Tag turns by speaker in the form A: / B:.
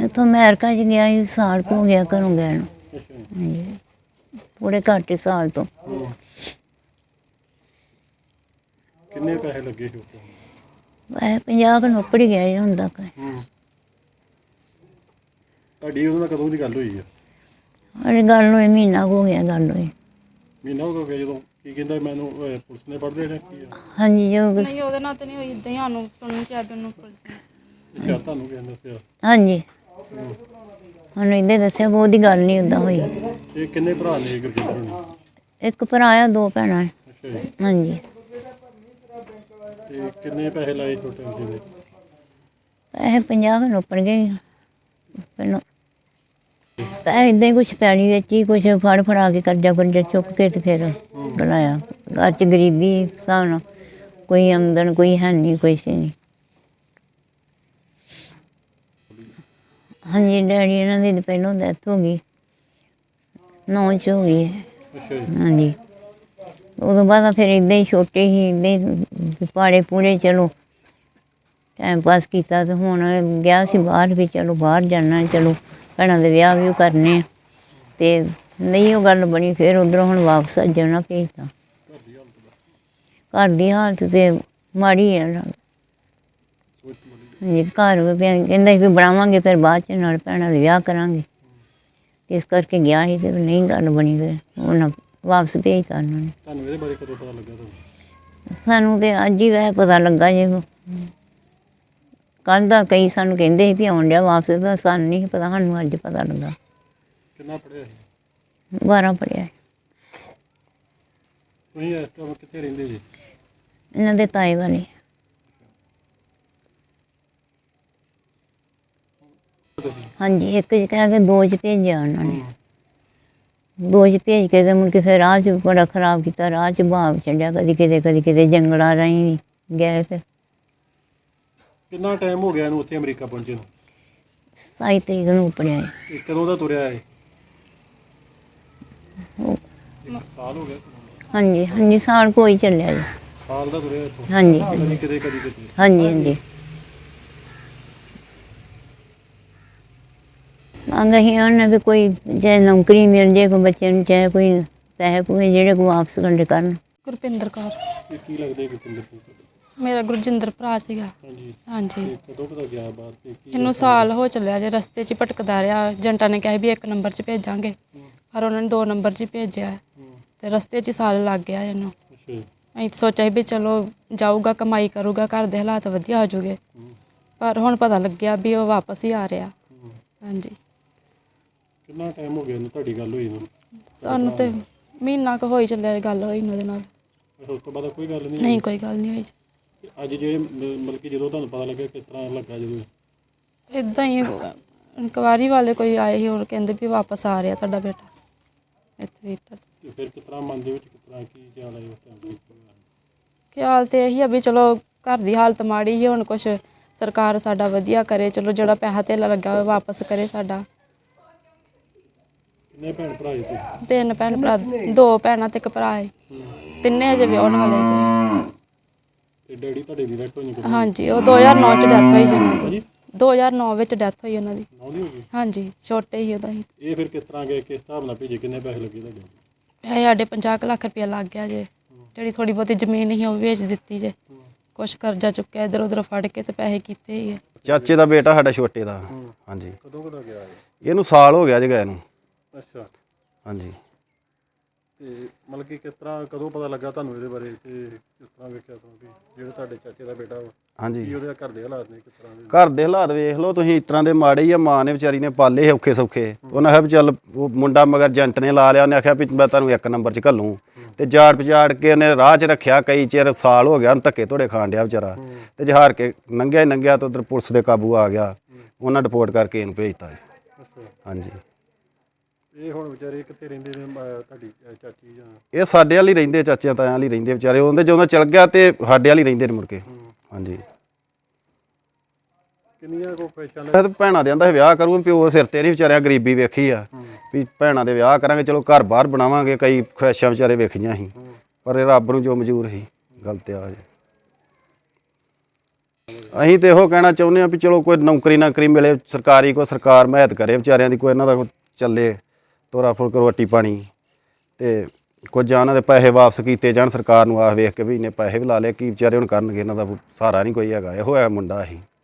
A: ਇੱਥੋਂ ਅਮਰੀਕਾ 'ਚ ਗਿਆ ਸੀ, ਸਾਲ ਕੁ ਹੋ ਗਿਆ ਘਰੋਂ ਗਏ ਨੂੰ। ਹਾਂਜੀ, ਥੋੜ੍ਹੇ ਘੱਟ ਹੀ ਸਾਲ ਤੋਂ।
B: ਕਿੰਨੇ ਪੈਸੇ ਲੱਗੇ ਸੀ ਉੱਥੇ?
A: ਵੈਸੇ 50 ਕੁ ਨੌਕਰ ਹੀ ਗਿਆ ਜੀ ਹੁਣ ਤੱਕ।
B: ਤੁਹਾਡੀ ਉਹਦੇ ਨਾਲ ਕਦੋਂ ਦੀ ਗੱਲ ਹੋਈ ਆ?
A: ਅਰੇ ਗੱਲ ਨੂੰ ਮਹੀਨਾ ਕੁ ਹੋ ਗਿਆ ਗੱਲ ਹੋਈ।
B: ਮਹੀਨਾ ਹੋ ਗਿਆ ਜਦੋਂ? ਕੀ ਕਹਿੰਦਾ ਮੈਨੂੰ ਪੁਲਿਸ ਨੇ ਪੜ੍ਹਦੇ ਨੇ ਕੀ ਆ?
A: ਹਾਂਜੀ, ਜੋ
C: ਨਹੀਂ ਉਹਦੇ ਨਾਲ ਤਾਂ ਨਹੀਂ ਹੋਈ, ਇੱਦਾਂ ਹੀ ਸਾਨੂੰ ਸੁਣਨ 'ਚ ਆਇਆ ਵੀ ਉਹਨੂੰ ਪੁਲਿਸ ਨੇ।
B: ਅੱਛਾ, ਤੁਹਾਨੂੰ ਕਿਹਨੇ ਦੱਸਿਆ?
A: ਹਾਂਜੀ, ਸਾਨੂੰ ਇੱਦਾਂ ਦੱਸਿਆ, ਬਹੁਤੀ ਗੱਲ ਨਹੀਂ ਉੱਦਾਂ ਹੋਈ।
B: ਇਹ ਕਿੰਨੇ ਭਰਾ ਨੇ ਗੁਰਜਿੰਦਰ ਹੋਣੀ?
A: ਇੱਕ ਭਰਾ ਆ, 2 ਭੈਣਾਂ।
B: ਅੱਛਾ ਜੀ।
A: ਹਾਂਜੀ।
B: ਤੇ ਕਿੰਨੇ ਪੈਸੇ ਲਾਏ ਟੋਟਲ ਜਿਹਦੇ?
A: ਪੈਸੇ 50 ਕੁ ਨੌਕਰ ਗਏ ਪਹਿਲਾਂ। ਪੈਸੇ ਇੱਦਾਂ ਹੀ ਕੁਛ ਪੈਲੀ ਵਿੱਚ ਹੀ ਕੁਛ ਫੜ ਫੜਾ ਕੇ ਕਰਜ਼ਾ ਚੁੱਕ ਕੇ ਤੇ ਫਿਰ ਬਣਾਇਆ। ਘਰ 'ਚ ਗਰੀਬੀ ਹਿਸਾਬ ਨਾਲ, ਕੋਈ ਆਮਦਨ ਕੋਈ ਹੈ ਨਹੀਂ, ਕੁਛ ਨਹੀਂ। ਹਾਂਜੀ, ਡੈਡੀ ਇਹਨਾਂ ਦੀ ਪਹਿਲੋਂ ਡੈਥ ਹੋ ਗਈ, 9 'ਚ ਹੋ ਗਈ ਹੈ।
B: ਅੱਛਾ ਜੀ।
A: ਹਾਂਜੀ, ਉਦੋਂ ਬਾਅਦ ਫਿਰ ਇੱਦਾਂ ਹੀ ਛੋਟੇ ਸੀ, ਇੱਦਾਂ ਹੀ ਪਾੜੇ ਪੂਰੇ ਚਲੋ ਟਾਈਮ ਪਾਸ ਕੀਤਾ। ਤੇ ਹੁਣ ਗਿਆ ਸੀ ਬਾਹਰ ਵੀ, ਚਲੋ ਬਾਹਰ ਜਾਣਾ, ਚਲੋ ਭੈਣਾਂ ਦੇ ਵਿਆਹ ਵੀ ਕਰਨੇ ਆ। ਅਤੇ ਨਹੀਂ ਉਹ ਗੱਲ ਬਣੀ, ਫਿਰ ਉੱਧਰੋਂ ਹੁਣ ਵਾਪਸ ਜਾਣਾ ਭੇਜਤਾ। ਘਰ ਦੀ ਹਾਲਤ ਤਾਂ ਮਾੜੀ ਹੈ। ਹਾਂਜੀ, ਘਰ ਕਹਿੰਦਾ ਸੀ ਵੀ ਬਣਾਵਾਂਗੇ, ਫਿਰ ਬਾਅਦ 'ਚ ਨਾਲ ਭੈਣਾਂ ਦੇ ਵਿਆਹ ਕਰਾਂਗੇ। ਇਸ ਕਰਕੇ ਗਿਆ ਸੀ, ਅਤੇ ਨਹੀਂ ਗੱਲ ਬਣੀ, ਫਿਰ ਉਹਨਾਂ ਵਾਪਸ ਭੇਜਤਾ ਉਹਨਾਂ ਨੇ।
B: ਤੁਹਾਨੂੰ ਇਹਦੇ ਬਾਰੇ ਕਦੋਂ ਪਤਾ ਲੱਗਾ ਤੁਹਾਨੂੰ?
A: ਸਾਨੂੰ ਤਾਂ ਅੱਜ ਹੀ ਵੈਸੇ ਪਤਾ ਲੱਗਾ ਜੇ। ਕੱਲ੍ਹ ਦਾ ਕਈ ਸਾਨੂੰ ਕਹਿੰਦੇ ਸੀ ਵੀ ਆਉਣ ਡਿਆ ਵਾਪਸ, ਪਰ ਸਾਨੂੰ ਨਹੀਂ ਪਤਾ, ਸਾਨੂੰ ਅੱਜ ਪਤਾ ਲੱਗਾ।
B: ਕਿੰਨਾ ਪੜ੍ਹਿਆ ਸੀ?
A: 12 ਪੜ੍ਹਿਆ।
B: ਤੁਸੀਂ ਇਸ ਟਾਈਮ ਕਿੱਥੇ ਰਹਿੰਦੇ ਜੀ?
A: ਇਹਨਾਂ ਦੇ ਤਾਏ ਵਾਲੇ। ਹਾਂਜੀ, ਇੱਕ 'ਚ ਕਹਿ ਕੇ 2 'ਚ ਭੇਜਿਆ ਉਹਨਾਂ ਨੇ। 2 'ਚ ਭੇਜ ਕੇ ਤੇ ਮੁੜ ਕੇ ਫਿਰ ਰਾਹ 'ਚ ਬੜਾ ਖਰਾਬ ਕੀਤਾ, ਰਾਹ 'ਚ ਭਾਵ ਛੱਡਿਆ, ਕਦੀ ਕਿਤੇ ਜੰਗਲਾਂ ਰਾਹੀਂ ਵੀ ਗਏ। ਫਿਰ
B: ਕਿੰਨਾ ਟਾਈਮ ਹੋ ਗਿਆ ਇਹਨੂੰ ਉੱਥੇ ਅਮਰੀਕਾ ਪਹੁੰਚੇ ਨੂੰ?
A: 27 ਤਰੀਕ ਨੂੰ ਉਪੜਿਆ ਹੈ।
B: ਇਹ ਕਦੋਂ ਦਾ ਤੁਰਿਆ ਹੈ? 1 ਸਾਲ ਹੋ ਗਿਆ?
A: ਹਾਂਜੀ ਹਾਂਜੀ, ਸਾਲ ਕੋਈ ਚੱਲਿਆ ਜੀ।
B: ਸਾਲ ਦਾ ਤੁਰਿਆ ਇੱਥੋਂ?
A: ਹਾਂਜੀ
B: ਕਦੀ ਕਿਤੇ ਕਦੀ ਕਿਤੇ?
A: ਹਾਂਜੀ ਹਾਂਜੀ। ਮੰਗ ਅਸੀਂ ਉਹਨਾਂ ਵੀ ਕੋਈ ਚਾਹੇ ਨੌਕਰੀ ਮਿਲ ਜੇ, ਕੋਈ ਬੱਚੇ ਨੂੰ, ਚਾਹੇ ਕੋਈ ਪੈਸੇ ਪੂਸੇ ਜਿਹੜੇ ਕੋਈ ਵਾਪਸ ਕਰਨ।
C: ਗੁਰਪਿੰਦਰ ਕੌਰ।
B: ਇਹ ਕੀ ਲੱਗਦੇ ਗੁਰਪਿੰਦਰ ਸਿੰਘ?
C: ਮੇਰਾ ਗੁਰਜਿੰਦਰ ਭਰਾ ਸੀਗਾ।
B: ਹਾਂਜੀ।
C: ਹਾਂਜੀ,
B: ਇਹ ਕਦੋਂ ਪਤਾ ਗਿਆ ਬਾਹਰ ਤੇ ਕੀ?
C: ਇਹਨੂੰ ਸਾਲ ਹੋ ਚੱਲਿਆ ਜੇ, ਰਸਤੇ 'ਚ ਹੀ ਭਟਕਦਾ ਰਿਹਾ। ਏਜੰਟਾਂ ਨੇ ਕਿਹਾ ਵੀ 1 ਨੰਬਰ 'ਚ ਭੇਜਾਂਗੇ, ਪਰ ਉਹਨਾਂ ਨੇ 2 ਨੰਬਰ 'ਚ ਹੀ ਭੇਜਿਆ, ਤੇ ਰਸਤੇ 'ਚ ਹੀ ਸਾਲ ਲੱਗ ਗਿਆ ਇਹਨੂੰ।
B: ਅੱਛਾ ਜੀ।
C: ਅਸੀਂ ਸੋਚਿਆ ਵੀ ਚਲੋ ਜਾਊਗਾ, ਕਮਾਈ ਕਰੂਗਾ, ਘਰ ਦੇ ਹਾਲਾਤ ਵਧੀਆ ਹੋ ਜੂਗੇ, ਪਰ ਹੁਣ ਪਤਾ ਲੱਗਿਆ ਵੀ ਉਹ ਵਾਪਸ ਹੀ ਆ ਰਿਹਾ। ਹਾਂਜੀ।
B: ਕਿੰਨਾ ਟਾਈਮ ਹੋ ਗਿਆ ਇਹਨੂੰ ਤੁਹਾਡੀ ਗੱਲ ਹੋਈ ਨੂੰ?
C: ਸਾਨੂੰ ਤੇ ਮਹੀਨਾ ਕੁ ਹੋਈ ਚੱਲਿਆ ਗੱਲ ਹੋਈ ਉਹਦੇ ਨਾਲ।
B: ਉਸ ਤੋਂ ਬਾਅਦ ਕੋਈ ਗੱਲ ਨਹੀਂ?
C: ਨਹੀਂ, ਕੋਈ ਗੱਲ ਨਹੀਂ ਹੋਈ।
B: ਅੱਜ ਜਿਹੜੇ ਮਤਲਬ ਕਿ ਜਦੋਂ ਤੁਹਾਨੂੰ ਪਤਾ ਲੱਗਾ, ਕਿਸ ਤਰ੍ਹਾਂ ਲੱਗਾ ਜਦੋਂ?
C: ਇੱਦਾਂ ਹੀ ਇਨਕੁਆਇਰੀ ਵਾਲੇ ਕੋਈ ਆਏ ਸੀ, ਉਹ ਕਹਿੰਦੇ ਵੀ ਵਾਪਸ ਆ ਰਿਹਾ ਤੁਹਾਡਾ ਬੇਟਾ ਇੱਥੇ ਵੀ।
B: ਤੇ ਫਿਰ ਕਿਸ ਤਰ੍ਹਾਂ ਮਨ ਦੇ ਵਿੱਚ ਕਿਸ ਤਰ੍ਹਾਂ ਕੀ ਖਿਆਲ ਆਇਆ ਉਸ ਟਾਈਮ?
C: ਖਿਆਲ ਤਾਂ ਇਹੀ ਆ ਵੀ ਚਲੋ ਘਰ ਦੀ ਹਾਲਤ ਮਾੜੀ ਸੀ, ਹੁਣ ਕੁਛ ਸਰਕਾਰ ਸਾਡਾ ਵਧੀਆ ਕਰੇ, ਚਲੋ ਜਿਹੜਾ ਪੈਸਾ ਧੇਲਾ ਲੱਗਾ ਉਹ ਵਾਪਸ ਕਰੇ ਸਾਡਾ।
B: ਕਿੰਨੇ ਭੈਣ ਭਰਾ ਜੀ ਤੁਸੀਂ?
C: 3 ਭੈਣ ਭਰਾ, 2 ਭੈਣਾਂ ਤੇ 1 ਭਰਾ ਹੈ। ਤਿੰਨੇ ਅਜੇ ਵਿਆਹੁਣ ਵਾਲੇ ਜੀ।
B: ਤੇ ਡੈਡੀ ਤੁਹਾਡੇ ਦੀ ਡੈਥ ਹੋਈ?
C: ਹਾਂਜੀ, ਉਹ 2009 'ਚ ਡੈਥ ਹੋਈ ਜੀ ਉਹਨਾਂ ਦੀ। 2009 ਵਿੱਚ ਡੈਥ ਹੋਈ ਉਹਨਾਂ ਦੀ।
B: ਨੌਂ ਦੀ ਹੋ ਗਈ?
C: ਹਾਂਜੀ, ਛੋਟੇ ਹੀ ਉਹਦਾ ਹੀ।
B: ਇਹ ਫਿਰ ਕਿਸ ਤਰ੍ਹਾਂ ਗਏ, ਕਿਸ ਹਿਸਾਬ ਨਾਲ ਭੇਜੇ, ਕਿੰਨੇ ਪੈਸੇ ਲੱਗੇ ਤੁਹਾਡੇ?
C: ਇਹ ਸਾਡੇ 50 ਕੁ ਲੱਖ ਰੁਪਇਆ ਲੱਗ ਗਿਆ ਜੇ। ਜਿਹੜੀ ਥੋੜ੍ਹੀ ਬਹੁਤੀ ਜ਼ਮੀਨ ਸੀ ਉਹ ਵੇਚ ਦਿੱਤੀ ਜੇ। ਕੁਛ ਕਰਜ਼ਾ ਚੁੱਕਿਆ ਇੱਧਰ ਉੱਧਰ ਫੜ ਕੇ ਤੇ ਪੈਸੇ ਕੀਤੇ ਹੀ ਆ।
D: ਚਾਚੇ ਦਾ ਬੇਟਾ ਸਾਡਾ ਛੋਟੇ ਦਾ। ਹਾਂਜੀ।
B: ਕਦੋਂ ਕਦਾ ਗਿਆ?
D: ਇਹਨੂੰ ਸਾਲ ਹੋ ਗਿਆ ਜੀ ਗਏ ਨੂੰ।
B: ਅੱਛਾ।
D: ਹਾਂਜੀ।
B: ਤੇ ਮਤਲਬ ਕਿ ਕਿਸ ਤਰ੍ਹਾਂ ਕਦੋਂ ਪਤਾ ਲੱਗਾ ਤੁਹਾਨੂੰ ਇਹਦੇ ਬਾਰੇ, ਤੇ ਕਿਸ ਤਰ੍ਹਾਂ ਵੇਖਿਆ ਤੁਹਾਨੂੰ ਵੀ ਜਿਹੜਾ ਤੁਹਾਡੇ ਚਾਚੇ ਦਾ ਬੇਟਾ ਵਾ?
D: ਹਾਂਜੀ।
B: ਕੀ ਉਹਦੇ ਘਰ ਦੇ ਹਾਲਾਤ ਨੇ, ਕਿਸ ਤਰ੍ਹਾਂ ਦੇ?
D: ਘਰ ਦੇ ਹਾਲਾਤ ਵੇਖ ਲਓ ਤੁਸੀਂ, ਇਸ ਤਰ੍ਹਾਂ ਦੇ ਮਾੜੇ ਹੀ ਆ। ਮਾਂ ਨੇ ਵਿਚਾਰੀ ਨੇ ਪਾਲੇ ਔਖੇ ਸੌਖੇ। ਉਹਨਾਂ ਆਖਿਆ ਵੀ ਚੱਲ, ਉਹ ਮੁੰਡਾ ਮਗਰ ਏਜੰਟ ਨੇ ਲਾ ਲਿਆ, ਉਹਨੇ ਆਖਿਆ ਵੀ ਮੈਂ ਤੁਹਾਨੂੰ 1 ਨੰਬਰ 'ਚ ਘੱਲੂੰ, ਤੇ ਜਾੜ ਪਜਾੜ ਕੇ ਉਹਨੇ ਰਾਹ 'ਚ ਰੱਖਿਆ ਕਈ ਚਿਰ। ਸਾਲ ਹੋ ਗਿਆ ਉਹਨੂੰ ਧੱਕੇ ਧੋੜੇ ਖਾਣ ਡਿਆ ਵਿਚਾਰਾ, ਤੇ ਜਹਾਰ ਕੇ ਲੰਘਿਆ ਤਾਂ ਉੱਧਰ ਪੁਲਿਸ ਦੇ ਕਾਬੂ ਆ ਗਿਆ, ਉਹਨਾਂ ਰਿਪੋਰਟ ਕਰਕੇ ਇਹਨੂੰ ਭੇਜਤਾ ਜੀ। ਹਾਂਜੀ।
B: ਇਹ ਹੁਣ ਵਿਚਾਰੇ ਕਿੱਥੇ ਰਹਿੰਦੇ ਨੇ ਤੁਹਾਡੀ ਚਾਚੀ ਜਾਂ?
D: ਇਹ ਸਾਡੇ ਵਾਲੀ ਰਹਿੰਦੇ, ਚਾਚਿਆਂ ਤਾਇਆਂ ਵਾਲੀ ਰਹਿੰਦੇ ਵਿਚਾਰੇ। ਉਹਦੇ ਜਦੋਂ ਚਲ ਗਿਆ ਤੇ ਸਾਡੇ ਵਾਲੀ ਰਹਿੰਦੇ ਨੇ ਮੁੜ ਕੇ। ਹਾਂਜੀ।
B: ਕਿੰਨੀਆਂ ਕੋ ਖੁਆਇਸ਼ਾਂ?
D: ਭੈਣਾਂ ਦੇ ਆਂਦਾ ਵਿਆਹ ਕਰੂ, ਪਿਓ ਸਿਰ ਤੇ ਨਹੀਂ ਵਿਚਾਰਿਆਂ ਗਰੀਬੀ ਵੇਖੀ ਆ ਵੀ ਭੈਣਾਂ ਦੇ ਵਿਆਹ ਕਰਾਂਗੇ, ਚਲੋ ਘਰ ਬਾਹਰ ਬਣਾਵਾਂਗੇ। ਕਈ ਖੁਆਇਸ਼ਾਂ ਵਿਚਾਰੇ ਵੇਖੀਆਂ ਸੀ, ਪਰ ਇਹ ਰੱਬ ਨੂੰ ਜੋ ਮਨਜ਼ੂਰ ਸੀ। ਗਲਤ ਆ ਜੀ। ਅਸੀਂ ਤੇ ਇਹੋ ਕਹਿਣਾ ਚਾਹੁੰਦੇ ਆ ਵੀ ਚਲੋ ਕੋਈ ਨੌਕਰੀ ਮਿਲੇ ਸਰਕਾਰੀ, ਕੋਈ ਸਰਕਾਰ ਮਦਦ ਕਰੇ ਵਿਚਾਰਿਆਂ ਦੀ, ਕੋਈ ਇਹਨਾਂ ਦਾ ਚੱਲੇ ਤੋਰਾ ਫੁਲਕ ਰੋਟੀ ਪਾਣੀ, ਤੇ ਕੁਝ ਜਾਂ ਇਹਨਾਂ ਦੇ ਪੈਸੇ ਵਾਪਸ ਕੀਤੇ ਜਾਣ ਸਰਕਾਰ ਨੂੰ। ਆਖ ਵੇਖ ਕੇ ਵੀ ਇੰਨੇ ਪੈਸੇ ਵੀ ਲਾ ਲਏ, ਕੀ ਵਿਚਾਰੇ ਹੁਣ ਕਰਨਗੇ, ਇਹਨਾਂ ਦਾ ਸਹਾਰਾ ਨਹੀਂ ਕੋਈ ਹੈਗਾ। ਇਹੋ ਹੈ ਮੁੰਡਾ ਅਸੀਂ।